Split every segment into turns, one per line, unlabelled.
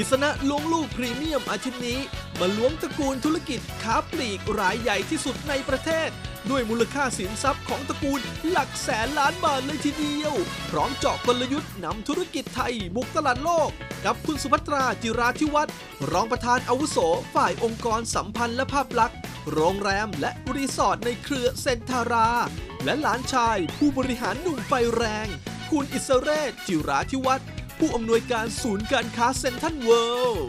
ษณะล้วงลูกพรีเมียมอาทิตย์นี้มาล้วงตระกูลธุรกิจค้าปลีกรายใหญ่ที่สุดในประเทศ ด้วยมูลค่าสินทรัพย์ของตระกูลหลักแสนล้านบาทเลยทีเดียวพร้อมเจาะกลยุทธ์นำธุรกิจไทยบุกตลาดโลกกับคุณสุภัตราจิราธิวัฒน์รองประธานอาวุโสฝ่ายองค์กรสัมพันธ์และภาพลักษณ์โรงแรมและรีสอร์ทในเครือเซนทาราและหลานชายผู้บริหารหนุ่มไฟแรงคุณอิสเรศจิราธิวัฒน์ผู้อำนวยการศูนย์การค้าเซ็นทรัลเวิลด์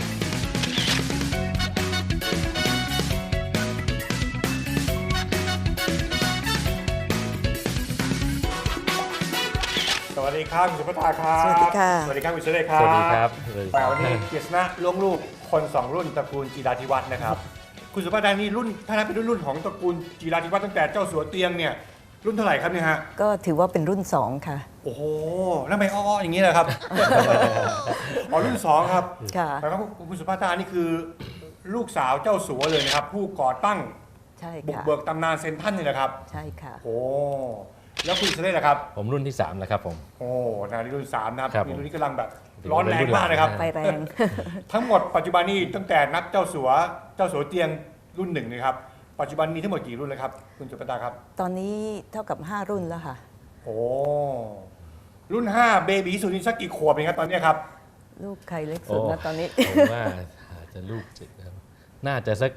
สวัสดีครับคุณสุภัตราครับ
สวัสดีค่ะ
สวัสดีครับคุณสุเรศครับ
สวัสดีครับ
แต่วันนี้กฤษณะล้วงลูกคนสองรุ่นตระกูลจิราธิวัฒน์นะครับคุณสุภัตรานี่รุ่นถ้านับเป็นรุ่นของตระกูลจิราธิวัฒน์ตั้งแต่เจ้าสัวเตียงเนี่ยรุ่นเท่าไหร่ครับเนี่ยฮะ
ก็ถือว่าเป็นรุ่น 2 ค่ะ
โอ้โหแล้วทำไมอ้อๆอย่างนี้เลยครับ อ๋อรุ่นสองครับ
ค่ะ
แปลว่าคุณสุภัตรานี่คือลูกสาวเจ้าสัวเลยนะครับผู้ก่อตั้ง
ใช่
บุก
ค่ะ
เบิกตำนานเซนทรัลนี่แหละครับ
ใช่ค่ะ
โอ้แล้วคุณสุเรศล่ะครับ
ผมรุ่นที่3แล้วครับผม
โอ้นานี่รุ่น3นะครับ
ครับ
นี่รุ่นนี้กำลังแบบร้อนแรงมากเลยครับ
ไฟแรง
ทั้งหมดปัจจุบันนี้ตั้งแต่นับเจ้าสัวเตียงรุ่น1นะครับปัจจุบันมีทั้งหมดกี่รุ่นเลยครับคุณสุภัตราครับ
ตอนนี้เท่ากับ 5 รุ่นแล้วค่ะ
โอ้รุ่น5เบบีสุดนี่สักกี่ขวบเองครับตอนนี้ครับ
ลูกใครเล็กสุดนะตอนนี้
ผมว่าอาจจะลูกจิตนะครับน่าจะสัก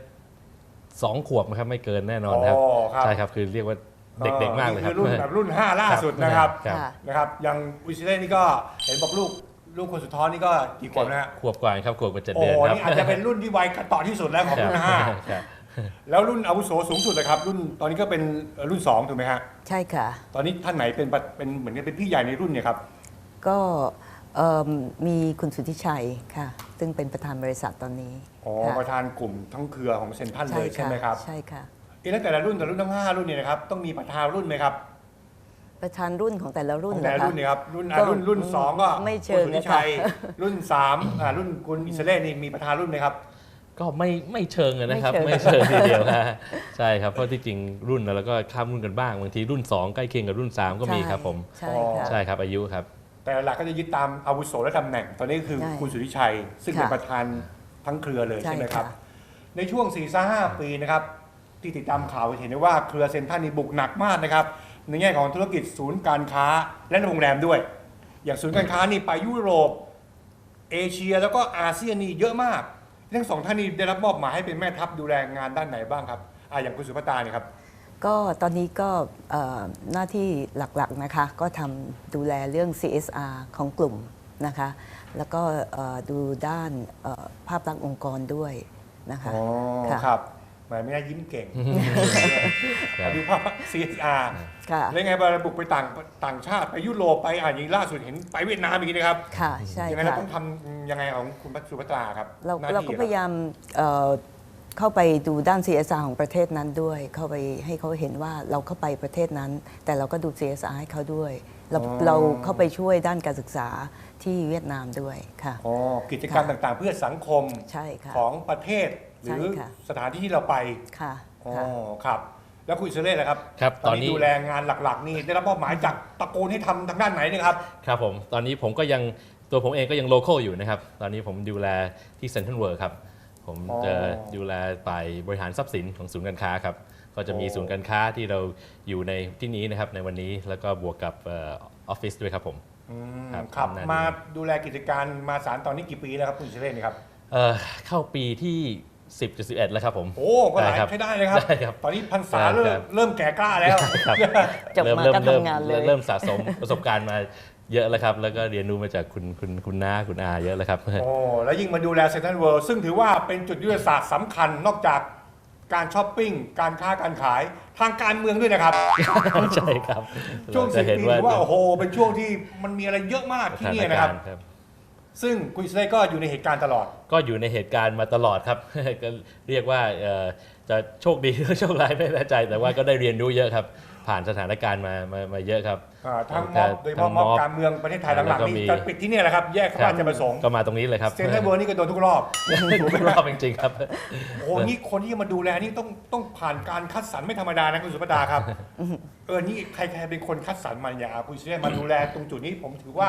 2 ขวบนะครับไม่เกินแน่นอนนะครับ
อ๋อครับ
ใช่ครับคือเรียกว่าเด็กๆมากเลยครับ
นี่คือรุ่นแบบรุ่น5ล่าสุดนะครับ
ครับ
ค่ะ
นะครับอย่างวิชิเล่นี่ก็เห็นบอกลูกคนสุดท้องนี่ก็กี่ขวบนะฮะ
ขวบกว่าครับขวบกับ7
โอ้
เดือนครับ
นี่อาจจะเป็นรุ่นที่วัยกระต่อที่สุดแล้วของรุ่น
ครับ
5แล้วรุ่นอาวุโสสูงสุดเลยครับรุ่นตอนนี้ก็เป็นรุ่น2ถูกไหมฮะ
ใช่ค่ะ
ตอนนี้ท่านไหนเป็นเหมือนกับเป็นพี่ใหญ่ในรุ่นเนี่ยครับ
ก็มีคุณสุทธิชัยค่ะ ซึ่งเป็นประธานบริษัทตอนนี้
อ๋อ
ค่ะ
ประธานกลุ่มทั้งเครือของเซนทรัลเลยใช่ไหมครับ
ใช่ค่ะ
แล้วแต่ละรุ่นทั้ง5รุ่นเนี่ยนะครับต้องมีประธานรุ่นไหมครับ
ประธานรุ่นของแต่ละรุ่น
ของแต่ละ
นะคะ
รุ่นเนี่ยครับรุ่น
ก็
รุ่น2ก็
ไม่เชิง
คุณสุทธิ
นะคะ
ชัยรุ่น3รุ่นคุณอิสเล่นี่มีประธานรุ่นไหมครับ
ก็ไม่เชิงนะครับ
ไม่
ไม่
เชิ
เชิ
ง
งทีเดียวนะใช่ครับเพราะที่จริงรุ่นแล้วก็ข้ามรุ่นกันบ้างบางทีรุ่น2ใกล้เคียงกับรุ่น3ก็มีครับผม
ใช่ค่ะ
ใช่ครับอายุครับ
แต่หลักก็จะยึดตามอาวุโสและตำแหน่ง ตอนนี้คือ
ใช่
คุณสุทธิชัย ซึ่งเป็น
ค่ะ
ประธานทั้งเครือเลย
ใช่
ใช่ไหมครับ
ค่ะ
ในช่วง 4-5 ปีนะครับที่ติดตามข่าวเห็นได้ว่าเครือเซ็นทรัลนี่บุกหนักมากนะครับในแง่ของธุรกิจศูนย์การค้าและโรงแรมด้วย อย่างศูนย์การค้านี่ไปยุโรปเอเชียแล้วก็อาเซียนนี่เยอะมากทั้งสองท่านนี่ได้รับมอบหมายให้เป็นแม่ทัพดูแลงานด้านไหนบ้างครับอย่างคุณสุภัตราเนี่ยครับ
ก็ตอนนี้ก็หน้าที่หลักๆนะคะก็ทำดูแลเรื่อง CSR ของกลุ่มนะคะ แล้วก็ดูด้านภาพลักษณ์องค์กรด้วยนะคะ
อ๋อ
ค่ะ
ครับหมายไม่ได้ยิ้มเก่ง
ครับ
ดูภาพ CSR
ค่ะ
แล้วไงเวลาบุกไปต่างชาติไปยุโรปไปอย่างล่าสุดเห็นไปเวียดนามอีกนะครับ
ค่ะใช่
ยังไงเรา
ค่ะ
ต้องทำยังไงของคุณสุภัตราครับหน้
เรา
ที่
ก็
ค
พ
รับ
ยายามเข้าไปดูด้าน CSR ของประเทศนั้นด้วย เข้าไปให้เขาเห็นว่าเราเข้าไปประเทศนั้น แต่เราก็ดู CSR ให้เขาด้วย เราเข้าไปช่วยด้านการศึกษาที่เวียดนามด้วยค่ะ
อ๋อกิจกรรมต่างๆ เพื่อสังคม
ใช่ค่ะ
ของประเทศหรือ
ใช่ค่ะ
สถานที่ที่เราไป
ค่ะ
อ๋อ
ค่ะ
ครับ แล้วคุณอิสเล่ล่ะครับ
ครับ
ตอนนี้
ตอนนี้
ดูแลงานหลักๆ นี่ได้รับมอบหมายจากตระกูลให้ทำทางด้านไหนเนะครับ
ครับผมตอนนี้ผมก็ยังตัวผมเองก็ยังโล c a l อยู่นะครับตอนนี้ผมดูแลที่เซ็นทรัลเวิลด์ครับผม
อ๋อ
จะดูแลฝ่ายบริหารทรัพย์สินของศูนย์การค้าครับก็จะมี
โอ้
ศูนย์การค้าที่เราอยู่ในที่นี้นะครับในวันนี้แล้วก็บวกกับออฟฟิศด้วยครับผม ครับ
ครับ
ทำหน้าที่
มาดูแลกิจการมาสารตอนนี้กี่ปีแล้วครับคุณอิสเล่นี่ครับ
เข้าปีที่ 10.11 แล้วครับผม
โอ้ก็หลาย
ได้ครับ
ใช้ได้เลยครับ
ได้ครับ
ตอนนี้พรรษา
ครับ
เริ่มแก่กล้าแล้ว
ครับ
จบมาก็ทำงานเลย
เริ่มสะสมประสบการณ์มาเยอะแล้วครับแล้วก็เรียนรู้มาจากคุณน้าคุณอาเยอะแล้วครับ
โอ้แล้วยิ่งมาดูแลเซ็นทรัลเวิลด์ซึ่งถือว่าเป็นจุดยุทธศาสตร์สำคัญนอกจากการช้อปปิ้งการค้าการขายทางการเมืองด้วยนะครับ
ใช่ครับ
ช่วง
เราจะ
10
เห็น
ปีถือว่าโอ้โหเป็นช่วงที่มันมีอะไรเยอะมาก
ส
ที่
ถาน
นี่นะค
กา
รับ
รณ์ครับ
ซึ่งคุณอิสเล่ก็อยู่ในเหตุการณ์ตลอด
ก็อยู่ในเหตุการณ์มาตลอดครับ ก็เรียกว่าจะโชคดีหรือโชคร้ายไม่แน่ใจ แต่ว่าก็ได้เรียนรู้เยอะครับ ผ่านสถานการณ์มาเยอะครับ
ทั้งม็อบโดยเฉพาะม็อบการเมืองประเทศไทยหลังๆนี่จะปิดที่เนี่ยแหละครับ แยกเข้ามาจะประสงค์
ก็มาตรงนี้เลยครับ
เซ็นทรัลเวิลด์นี่ก็โดนทุกรอบ
ทุกรอบจริงๆครับ
โอ้โหนี่คนที่จะมาดูแลนี่ต้องผ่านการคัดสรรไม่ธรรมดานะคุณสุภดาครับ นี่ใครเป็นคนคัดสรรมาอย่างคุณอิสเล่มาดูแลตรงจุดนี้ผมถือว่า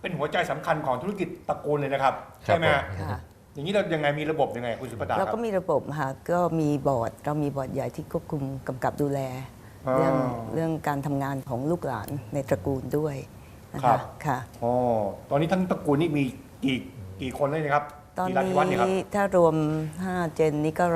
เป็นหัวใจสำคัญของธุรกิจตระกูลเลยนะครับใช่ไหมฮะ
ค่ะ
อย่างนี้เรายังไงมีระบบยังไงคุณสุภตาค
เรา
รับ
ก็มีระบบค่ะก็มีบอร์ดเรามีบอร์ดใหญ่ที่ควบคุมกำกับดูแล
อ๋อ
เรื่องการทำงานของลูกหลานในตระกูลด้วยนะ
ครั
คะ
บ
ค่ะ
อ๋อตอนนี้ทั้งตระกูลนี่มีกี่คนเลยนะครับ
ตอน
กี่ราชวัฒน์เนี่ยครับ
นี้ถ้ารวม 5 เจนนี้ก็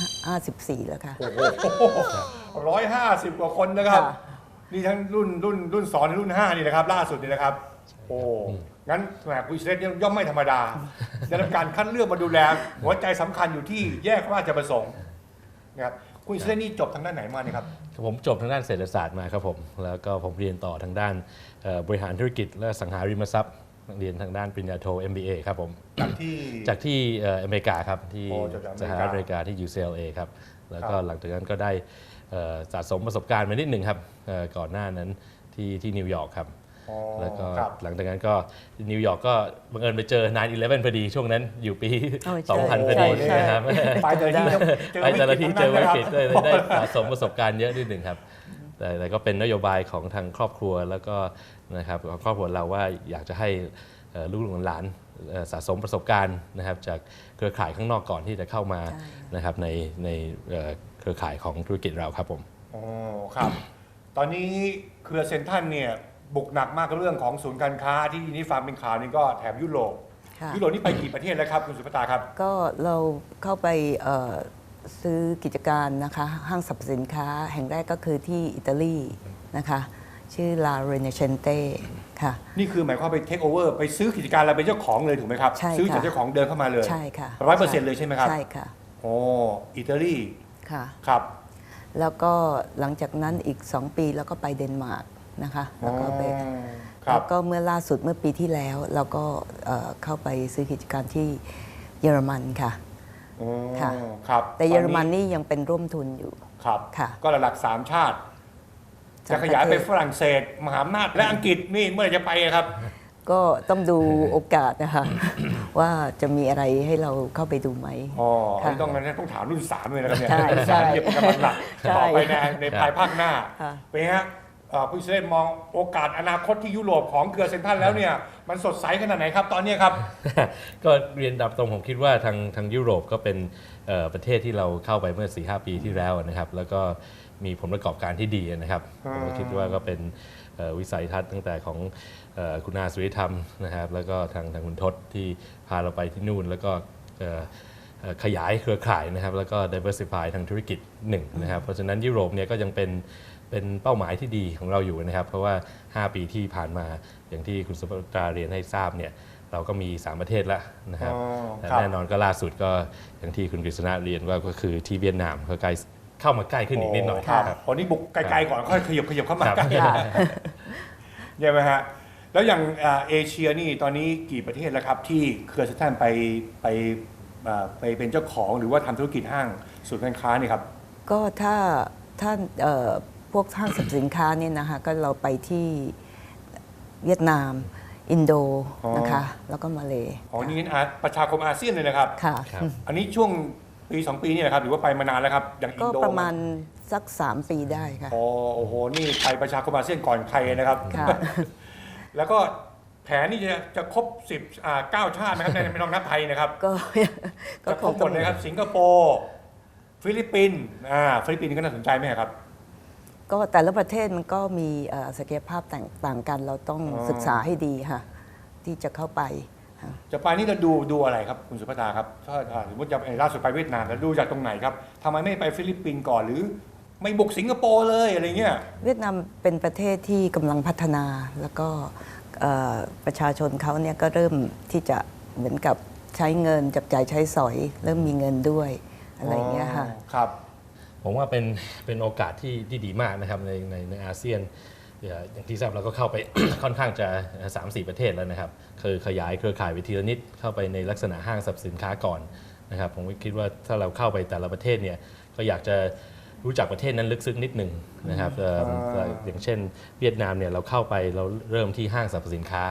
154แล้วค่ะ
โอ้โห150 กว่าคนนะครับ
ค่ะ
นี่ทั้งรุ่น2รุ่น5นี่นะครับล่าสุดนี่นะครับ โอ้งั้นแหมคุณอิสเรตย่อมไม่ธรรมดาได้รับการคัดเลือกมาดูแล หัวใจสำคัญอยู่ที่แยกราชประสงค์นะครับคุณอิสเรตนี่จบทางด้านไหนมาเนี่ยครับ
ผมจบทางด้านเศรษฐศาสตร์มาครับผมแล้วก็ผมเรียนต่อทางด้านบริหารธุรกิจและสังหาริมทรัพย์เรียนทางด้านปริญญาโท MBA ครับผม จากที่อเมริกาครับที่
โอ้จากอเมริกา
สหรัฐอเมริกาที่ UCLA ครับแล้วก็
ครับ
หลังจากนั้นก็ได้สะสมประสบการณ์มานิดหนึ่งครับก่อนหน้านั้นที่นิวยอร์กครับ
อ๋อ
แล้วก็
ครับ
หลังจากนั้นก็นิวยอร์กก็บังเอิญไปเจอ 9/11 พอดีช่วงนั้นอยู่ปี
โอ้ใช่
2000 พอดี
ใช่
นะครับ
ไปแต่ละที่เจอ
ไปแต่ละที่เจอวิกฤต
ทั้ง
เลย
นั้น
ได้
นะครับ
สะสมประสบการณ์เยอะนิดหนึ่งครับแต่ก็เป็นนโยบายของทางครอบครัวแล้วก็นะครับของครอบครัวเราว่าอยากจะให้ลูกหลานสะสมประสบการณ์นะครับจากเครือข่ายข้างนอกก่อนที่จะเข้ามา
ใช่
นะครับในเครือข่ายของธุรกิจเราครับผม
อ๋อครับ ตอนนี้เครือเซ็นทรัลเนี่ยบุกหนักมากกับเรื่องของศูนย์การค้าที่นี่ฟังเป็นข่าวนี่ก็แถบยุโรป
ค่ะ
ยุโรปนี่ไปกี่ประเทศแล้วครับคุณสุภตาครับ
ก็เราเข้าไปซื้อกิจการนะคะห้างสรรพสินค้าแห่งแรกก็คือที่อิตาลีนะคะชื่อ La Rinascente ค่ะ
นี่คือหมายความไปเทคโอเวอร์ไปซื้อกิจการเราเป็นเจ้าของเลยถูกไหมครับ
ใช่ค่ะ
ซื้อจากเจ้าของเดิมเข้ามาเลย
ใช่ค่ะ
100%เลยใช่ไหมครับ
ใช่ค่ะ
โอ้อิตาลี
ค่ะ
ครับ
แล้วก็หลังจากนั้นอีก 2 ปีแล้วก็ไปเดนมาร์กนะคะแล้วก็ไป
อ๋อครั
แล้
บ
วก็เมื่อล่าสุดเมื่อปีที่แล้วเราก็เข้าไปซื้อกิจการที่เยอรมันค่ะ
อ๋อ
ค่ะ
ครับ
แต่เยอรมันนี่ยังเป็นร่วมทุนอยู่
ครับ
ค่ะ
ก็หลักๆ3ชาติ
สา
จะ
ม
ขยาย
ประ
ไป
เทศ
ฝรั่งเศส มหาอำนาจและอังกฤษนี่เมื่อไหร่จะไปอะครับ
ก็ต้องดูโอกาสนะคะ ว่าจะมีอะไรให้เราเข้าไปดูไหม
อ๋อ
ค่ะ
นี่ต้องถามรุ่น3เลยนะครับเนี่ย
ใช่ใช่
รุ่น3เนี่ยเป็นกำลังหลัก
ใช่
ต่อไปในภายภาคหน้า
ค่ะ
เป็นไงฮะคุณเซนมองโอกาสอนาคตที่ยุโรปของเครือเซ็นทรัลแล้วเนี่ยมันสดใสขนาดไหนครับตอนเนี้ยครับ
ก็เรียนดับตรงผมคิดว่าทางยุโรปก็เป็นประเทศที่เราเข้าไปเมื่อ 4-5 ปีที่แล้วนะครับแล้วก็มีผลประกอบการที่ดีนะครับ
อ่า
ผมก็คิดว่าก็เป็นวิสัยทัศน์ตั้งแต่ของคุณอาสุริธรรมนะครับแล้วก็ทางคุณทศที่พาเราไปที่นู่นแล้วก็ขยายเครือข่ายนะครับแล้วก็ diversify ทางธุรกิจหนึ่งนะครับเพราะฉะนั้นยุโรปเนี่ยก็ยังเป็นเป้าหมายที่ดีของเราอยู่นะครับ เพราะว่า 5 ปีที่ผ่านมาอย่างที่คุณสุภตราเรียนให้ทราบเนี่ยเราก็มี 3 ประเทศแล้วนะครับ
อ๋อ
แต่
ครับ
แน่นอนก็ล่าสุดก็อย่างที่คุณกฤษณะเรียนว่าก็คือที่เวียดนามก็ใกล้เข้ามาใกล้ขึ้นอีกนิดหน่อย
ครับ
ครับ
ตอนนี้บุกไกลๆก่อนค่อยขยับเข้ามา
ครับ
ใกล้
ค่ะ
ใช่ไหมฮะแล้วอย่างเอเชียนี่ตอนนี้กี่ประเทศแล้วครับที่เครือเซ็นทรัลไปเป็นเจ้าของหรือว่าทำธุรกิจห้างศูนย์การค้านี่ครับ
ก็ถ้าพวกห้างสรรพสินค้าเนี่ยนะคะก็เราไปที่เวียดนาม อินโด
อ๋อ
นะคะ แล้วก็มาเล
อ๋อนี่ประชาคมอาเซียนเลยนะครับ
ค่ะ
ครับ
อันนี้ช่วงปี2ปีนี่นะครับหรือว่าไปมานานแล้วครับอย่างอิ
ก็
นโด
ประมาณสัก 3 ปีได้ค่ะ
อ๋อโอ้โหนี่ไปประชาคมอาเซียนก่อนใครนะครับ
ค่ะ
แล้วก็แผนนี่จะครบ9ชาตินะครับไม่ต้องนับไทยนะครับ
ก็ ก็
จะ
ค
ครง บหม
ต้อ
ด
ง
เลยครับสิงคโปร์ฟิลิปปินส์ฟิลิปปินส์ก็น่าสนใจไหมครับ
ก็แต่ละประเทศมันก็มีศักยภาพต่างกัน เราต้อง
อ๋อ
ศึกษาให้ดีค่ะ ที่จะเข้าไปค่ะ
จะไปนี่เราดูอะไรครับคุณสุภตาครับถ้าสมมติจะล่าสุดไปเวียดนามแล้วดูจากตรงไหนครับทำไมไม่ไปฟิลิปปินส์ก่อนหรือไม่บุกสิงคโปร์เลยอะไรเงี้ย
เวียดนามเป็นประเทศที่กำลังพัฒนาแล้วก็ประชาชนเขาเนี่ยก็เริ่มที่จะเหมือนกับใช้เงินจับจ่ายใช้สอย เริ่มมีเงินด้วยอะไรอย่างเงี้ยค่ะ
ครับ
ผมว่าเป็นโอกาสที่ดีมากนะครับในอาเซียนอย่างที่ทราบเราก็เข้าไป ค่อนข้างจะ 3-4 ประเทศแล้วนะครับคือขยายเครือข่ายไปทีละนิดเข้าไปในลักษณะห้างสรรพสินค้าก่อนนะครับผมคิดว่าถ้าเราเข้าไปแต่ละประเทศเนี่ยก็อยากจะรู้จักประเทศนั้นลึกซึ้งนิดหนึ่งนะครับอย่างเช่นเวียดนามเนี่ยเราเข้าไปเราเริ่มที่ห้างสรรพสินค้า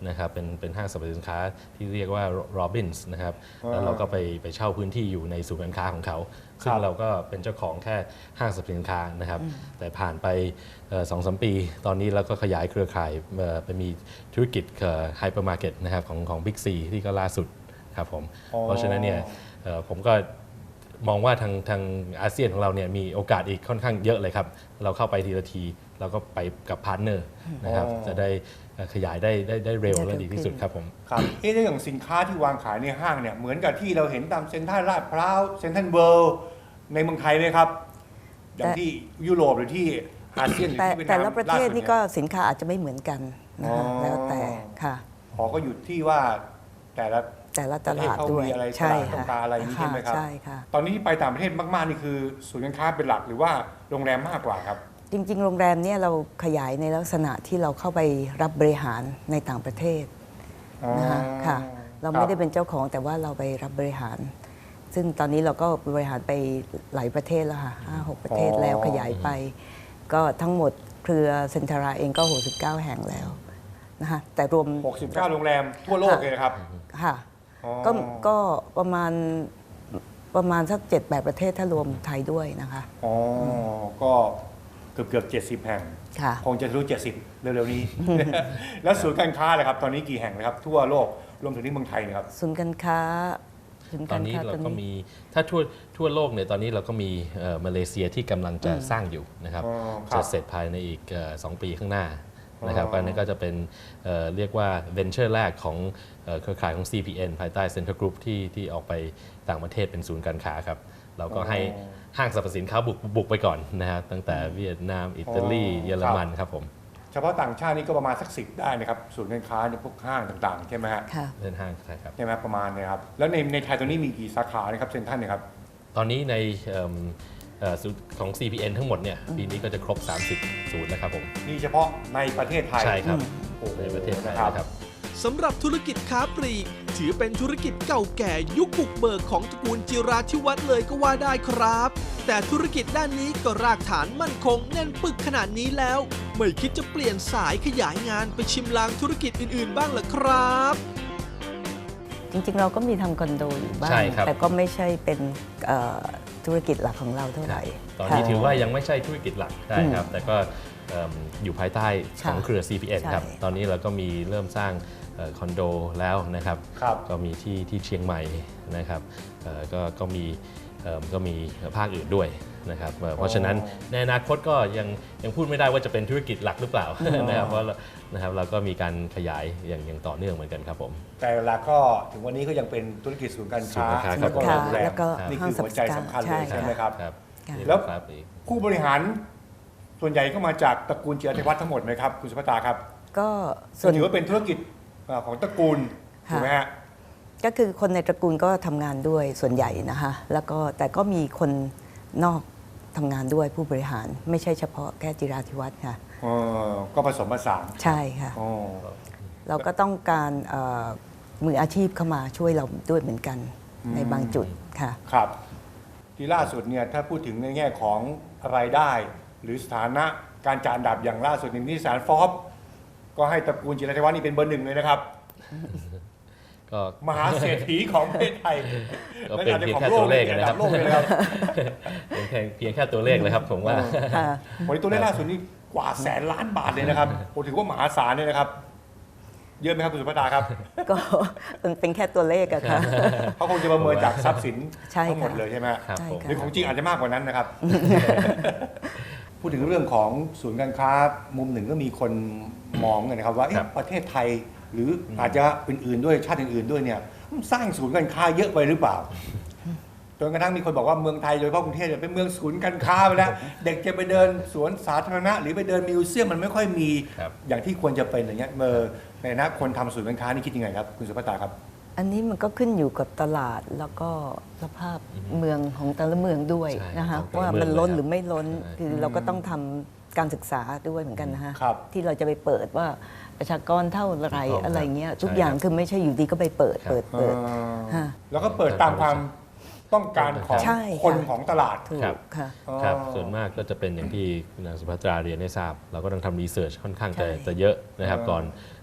นะครับเป็นห้างสรรพสินค้าที่เรียกว่า Robins นะครับแล้วเราก็ไปเช่าพื้นที่อยู่ในศูนย์การค้าของเขาซึ่งเราก็เป็นเจ้าของแค่ห้างสรรพสินค้านะครับแต่ผ่านไป2-3 ปีตอนนี้เราก็ขยายเครือข่ายไปมีธุรกิจไฮเปอร์มาร์เก็ตนะครับของ Big C ที่ก็ล่าสุดครับผมเพราะฉะนั้นเนี่ยผมก็มองว่าทางอาเซียนของเราเนี่ยมีโอกาสอีกค่อนข้างเยอะเลยครับเราเข้าไปทีละทีเราก็ไปกับพาร์ทเนอร์นะครับจะได้ขยายได้เร็วและดีที่สุดครับผม
ครับเรื่องสินค้าที่วางขายในห้างเนี่ยเหมือนกับที่เราเห็นตามเซ็นทรัลลาดพร้าวเซ็นทรัลเวิลด์ในเมืองไทยเลยครับอย่างที่ยุโรปหรือที่อาเซียนหรือที่เวียดนาม
แต่ละประเทศนี่ก็
ล่าสุด
สินค้าอาจจะไม่เหมือนกันนะคะแล้วแต่ค่ะ
ขอก็อยู่ที่ว่าแต่ละ
แต่ละตลาด
ประเทศเขา
ด้วย
มีอะไร
ใช่
ตลาดต้อง
ค่ะ
การอะไรอย่างนี้ใช่ไหมครับ
ใช่ค่ะ
ตอนนี้ที่ไปต่างประเทศมากๆนี่คือศูนย์การค้าเป็นหลักหรือว่าโรงแรมมากกว่าครับ
จริงๆ โรงแรมเนี่ยเราขยายในลักษณะที่เราเข้าไปรับบริหารในต่างประเทศนะคะค่ะเราไม่ได้เป็นเจ้าของแต่ว่าเราไปรับบริหาร ซึ่งตอนนี้เราก็บริหารไปหลายประเทศแล้วค่ะ5-6 ประเทศแล้วขยายไป ก็ทั้งหมดเครือเซ็นทราเองก็69 แห่งแล้วนะคะแต่รวม
69 โรงแรมทั่วโลกเลยนะครับ
ค่ะ
อ๋อ
ก็ประมาณสัก 7-8 ประเทศถ้ารวมไทยด้วยนะคะ
อ๋อก็เกือบ70 แห่ง
ค่ะ
คงจะรู้ 70 เร็วๆนี้ แล้วศูนย์การค้าเลยครับ ตอนนี้กี่แห่งนะครับ ทั่วโลกรวมถึงที่เมืองไทยนะครับ
ศูนย์การค้า
ตอนนี้เราก็มีถ้าทั่วโลกเนี่ยตอนนี้เราก็มีมาเลเซียที่กำลังจะสร้างอยู่นะครับ
อ๋อครับ
จะเสร็จภายในอีก2 ปีข้างหน้านะครับ
อ๋อ
ก็นั่นก็จะเป็นเรียกว่าเวนเจอร์แรกของเครือข่ายของ CPN ภายใต้ Central Group ที่ออกไปต่างประเทศเป็นศูนย์การค้าครับ เราก็ให้ห้างสรรพสินค้าบุกไปก่อนนะครับตั้งแต่เวียดนามอิตาลีเยอรมันครับผม
เฉพาะต่างชาตินี่ก็ประมาณสัก10ได้นะครับศูนย์การค้าในพวกห้างต่างๆใช่ไหมฮะ
ค่ะ
เดินห้างใช่ครับ
ใช่ไหมประมาณเนี่ยครับแล้วในไทยตอนนี้มีกี่สาขานะครับเซ็นทรัลเนี่ยครับ
ตอนนี้ในศูนย์ของ CPN ทั้งหมดเนี่ยปีนี้ก็จะครบ 30 ศูนย์แล้วครับผม
นี่เฉพาะในประเทศไทย
ใช่ครับ
โอ้โห
ในประเทศไทย
นะครับ
นะครับ
สำหรับธุรกิจค้าปลีกถือเป็นธุรกิจเก่าแก่ยุคบุกเบิกของตระกูลจิราธิวัฒน์เลยก็ว่าได้ครับ แต่ธุรกิจด้านนี้ก็รากฐานมั่นคงแน่นปึกขนาดนี้แล้ว ไม่คิดจะเปลี่ยนสายขยายงานไปชิมลางธุรกิจอื่นๆบ้างเหรอครับ
จริงๆ เราก็มีทำคอนโดอยู่บ้าง
ใช่ครับ
แต่ก็ไม่ใช่เป็นธุรกิจหลักของเราเท่าไหร่
ตอนนี้
ค่ะ
ถือว่ายังไม่ใช่ธุรกิจหลักได้ครับ แต่ก็อยู่ภายใต้ของเครือ CPN ครับ
ใช่
ตอนนี้เราก็มีเริ่มสร้างคอนโดแล้วนะครับ
ครับ
ก็มีที่เชียงใหม่นะครับก็มีภาคอื่นด้วยนะครับเพราะฉะนั้นในอนาคตก็ยังพูดไม่ได้ว่าจะเป็นธุรกิจหลักหรือเปล่านะครับเพราะนะครับเราก็มีการขยายอย่างต่อเนื่องเหมือนกันครับผม
แต่เวลาก็ถึงวันนี้ก็ยังเป็นธุรกิจศูนย์การค้า
ศูนย์การค้า
แล้วก็
ค่ะ
โรงแรม
แล้วก็
นี่
ห้า
คื
ง
อ
สรร
หั
พ
ว
สิ
ใจ
นค้า
สำคัญเลย
ใช่
ใช่ไหมครับ
ครับ
ค่ะ
แล้ว
ครับอีก
ผู้บริหารส่วนใหญ่ก็มาจากตระกูลจิราธิวัฒน์ทั้งหมดไหมครับคุณสุภตาครับ
ก็ส่
ส่
ว
วน นถือว่าเป็นธุรกิจของตระกูล
ค่ะ
ถูกไหมฮะ
ก็คือคนในตระกูลก็ทำงานด้วยส่วนใหญ่นะคะแล้วก็แต่ก็มีคนนอกทำงานด้วยผู้บริหารไม่ใช่เฉพาะแค่จิราธิวัฒน์ค่ะ
ก็ผสมผสาน
ใช่ค่ะ
อ๋อ
เราก็ต้องการมืออาชีพเข้ามาช่วยเราด้วยเหมือนกันในบางจุดค่ะ
ครับ ที่ล่าสุดเนี่ยถ้าพูดถึงในแง่ของรายได้ หรือสถานะการจัดอันดับอย่างล่าสุดในนิตยสารฟอบก็ให้ตระกูลจิราธิวัฒน์นี่เป็นเบอร์ 1เลยนะครับ
ก็
มหาเศรษฐีของประเทศไทย
ก็เป็นเพียงแค่ตัวเลข
ระ
นะค
ดั
รั
บบ โลกเลยนะครับ
เพียงแค่ตัวเลขเลยครับผมว่า
ค่ะ
วันนี้ตัวเลขล่าสุดนี่กว่าแสนล้านบาทเลยนะครับผมถือว่ามหาศาลเลยนะครับ เยอะไหมครับคุณสุภตาครับ
ก็มันเป็นแค่ตัวเลขอะค่ะ
เขาคงจะประเมินจากทรัพย์สิน
ใช่ค่ะ
ทั้งหมดเลยใช่ไหม
ครับ
ใช่
ผม
ค่ะ
หรือของจริงอาจจะมากกว่านั้นนะครับ พูดถึงเรื่องของศูนย์การค้ามุมหนึ่งก็มีคนมองกันนะครับว่าเอ๊ะ
ครับ
ประเทศไทยหรืออาจจะอื่นๆด้วยชาติอื่นๆด้วยเนี่ยสร้างศูนย์การค้าเยอะไปหรือเปล่าจนกระทั่งมีคนบอกว่าเมืองไทยโดยเฉพาะกรุงเทพเนี่ยเป็นเมืองศูนย์การค้าไปแล้วเด็กจะไปเดินสวนสาธารณะ หรือไปเดินมิวเซียมมันไม่ค่อยมี
ครับ
อย่างที่ควรจะเป็นอย่างเงี้ยในฐานะคนทำศูนย์การค้านี่คิดยังไงครับคุณสุภตาครับ
อันนี้มันก็ขึ้นอยู่กับตลาดแล้วก็สภาพเมืองของแต่ละเมืองด้วย
ใช่
นะคะ
ของแต่ละ
ว่า
เมือง
มันล้น
เลยครับ
หรือไม่ล้น
ใช่
คือเราก็ต้องทำการศึกษาด้วยเหมือนกันนะคะ
ครับ
ที่เราจะไปเปิดว่าประชากรเท่าไหร
ถูกต้อง
อะไรเงี้ย
ครับ
ทุกอย่าง
ใช่ครับ
คือไม่ใช่อยู่ดีก็ไปเปิด
ครับ
เปิดฮะ
แล้วก็เปิดตามความต้องการของ
ใช่
คน
ค่ะ
ของตลาด
ถูก
ครับ
ค่ะ
ครับส่วนมากก็จะเป็นอย่างที่คุณนางสุภัตราเรียนได้ทราบ เราก็ต้องทำรีเสิร์ชค่อนข้าง
ใช่
จะเยอะนะครับ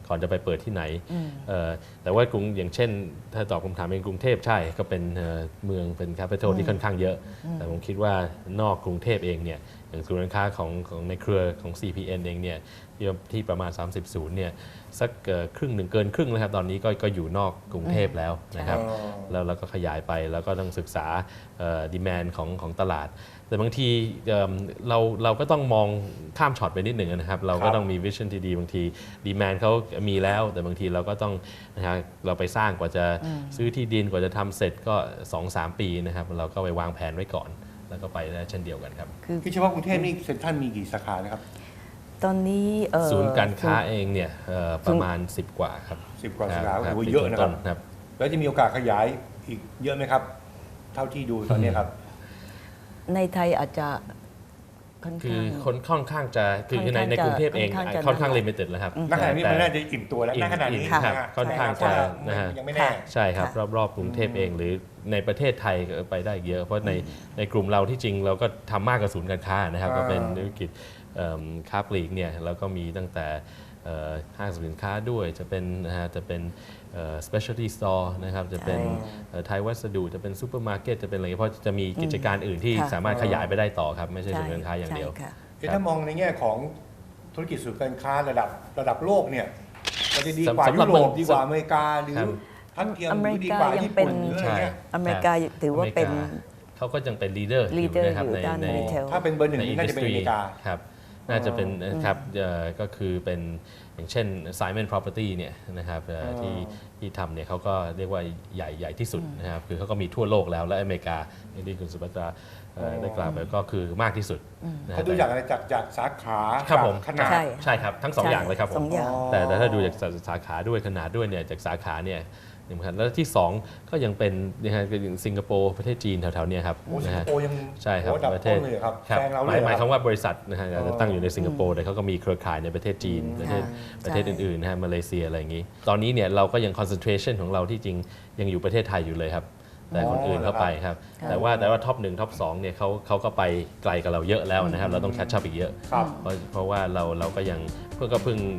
ก่อนจะไปเปิดที่ไหนแต่ว่ากรุงอย่างเช่นถ้าตอบคำถามเป็นกรุงเทพใช่ก็เป็นเมืองเป็นแคปิตอลที่ค่อนข้างเยอะแต่ผมคิดว่านอกกรุงเทพเองเนี่ยอย่างศูนย์การค้าของในเครือของ CPN เองเนี่ยที่ประมาณ30ศูนย์เนี่ยสักครึ่งหนึ่งเกินครึ่งแล้วครับตอนนี้ก็อยู่นอกกรุงเทพแล้วนะครับแล้วเราก็ขยายไปแล้วก็ต้องศึกษาดีแมนของตลาดแต่บางทีเราก็ต้องมองข้ามช็อตไปนิดหนึ่งนะครับเราก็ต้องมีวิชั่นที่ดีบางทีดีแมนเขามีแล้วแต่บางทีเราก็ต้องนะครับเราไปสร้างกว่าจะซื้อที่ดินกว่าจะทำเสร็จก็ 2-3 ปีนะครับเราก็ไปวางแผนไว้ก่อนแล้วก็ไปได้เช่นเดียวกันครับ
ที่เฉพาะกรุงเทพนี่เซ็นทรัลมีกี่สาขานะครับ
ตอนนี้
ศูนย์การค้าเองเนี่ยประมาณ10 กว่าครับ
10 กว่าสาขาโอ้โหเยอะนะครับแล้วจะมีโอกาสขยายอีกเยอะไหมครับเท่าที่ดูตอนนี้ครับ
ในไทยอาจจะ
คือค่อนข้างจะคือในกรุงเทพเองค่อนข้างลิมิเต็ดแล้วครับ
ณขณะนี้มันน่าจะอิ่มตัวแล้วณขณะนี้
ค่อนข้างจะ
ยังไม่แน่
ใช่ครับรอบๆกรุงเทพเองหรือในประเทศไทยก็ไปได้เยอะเพราะในกลุ่มเราที่จริงเราก็ทำมากกว่าศูนย์การค้านะครับก็เป็นธุรกิจค้าปลีกเนี่ยเราก็มีตั้งแต่ห้างสินค้าด้วยจะเป็นspecialty store นะครับจะเป็นไทยวัสดุจะเป็นซูเปอร์มาร์เก็ตจะเป็นอะไรเพราะจะมีกิจการอื่นที่สามารถขยายไปได้ต่อครับไม่ใช่ศูนย์การค้าอย่างเดียว
ถ้ามองในแง่ของธุรกิจศูนย์การค้าระดับโลกเนี่ยมันจะดีกว่ายุโรปดีกว่าอเมริกาหรือทัดเทียมดีกว่าญี่ปุ่นหรืออะไรเงี้ย
อเมริกาถือว่าเป็น
เขาก็ยังเป็นลีดเดอร์อยู่นะครับใน
ถ้าเป็นเบอร์หนึ่งน่าจะเป็นอเมริกา
ครับน่าจะเป็นครับก็คือเป็นอย่างเช่น Simon Property เนี่ยนะครับที่ทำเนี่ยเขาก็เรียกว่าใหญ่ที่สุดนะครับคือเขาก็มีทั่วโลกแล้วและอเมริกาอย่างที่คุณสุภัตราได้กล่าวไปก็คือมากที่สุด
เขาดูจากอะไรจากสาขา
ครับผม
ขนาด
ใช่ครับทั้ง2 อย่างเลยครับผมแต่ถ้าดูจากสาขาด้วยขนาดด้วยเนี่ยจากสาขาเนี่ยแล้วที่2ก็ยังเป็นนะฮะสิงคโปร์ประเทศจีนแถวๆนี้ครับ
สิงคโปร์ยัง
ใช่ครับประเทศหมายความว่าบริษัทนะฮะจะตั้งอยู่ในสิงคโปร์แต่เขาก็มีเครือข่ายในประเทศจีนประเทศอื่นๆนะฮะมาเลเซียอะไรอย่างนี้ตอนนี้เนี่ยเราก็ยัง concentration ของเราที่จริงยังอยู่ประเทศไทยอยู่เลยครับแต่คนอื่นเข้าไปครับแต่ว่าท็อป1ท็อป2เนี่ยเขาก็ไปไกลกับเราเยอะแล้วนะครับเราต้องแคชชัพอีกเยอะเพราะว่าเราก็ยังเพิ่ง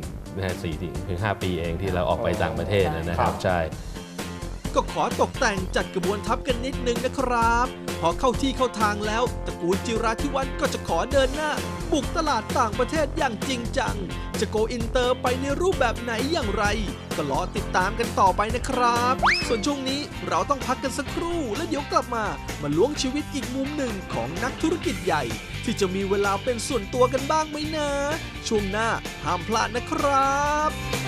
4-5 ปีเองที่เราออกไปต่างประเทศนะครับใช่
ก็ขอตกแต่งจัดกระบวนทัพกันนิดนึงนะครับพอเข้าที่เข้าทางแล้วตระกูลจิราธิวัฒน์ก็จะขอเดินหน้าบุกตลาดต่างประเทศอย่างจริงจังจะโกอินเตอร์ไปในรูปแบบไหนอย่างไรก็รอติดตามกันต่อไปนะครับส่วนช่วงนี้เราต้องพักกันสักครู่แล้วเดี๋ยวกลับมาล้วงชีวิตอีกมุมหนึ่งของนักธุรกิจใหญ่ที่จะมีเวลาเป็นส่วนตัวกันบ้างไหมนะช่วงหน้าห้ามพลาดนะครับ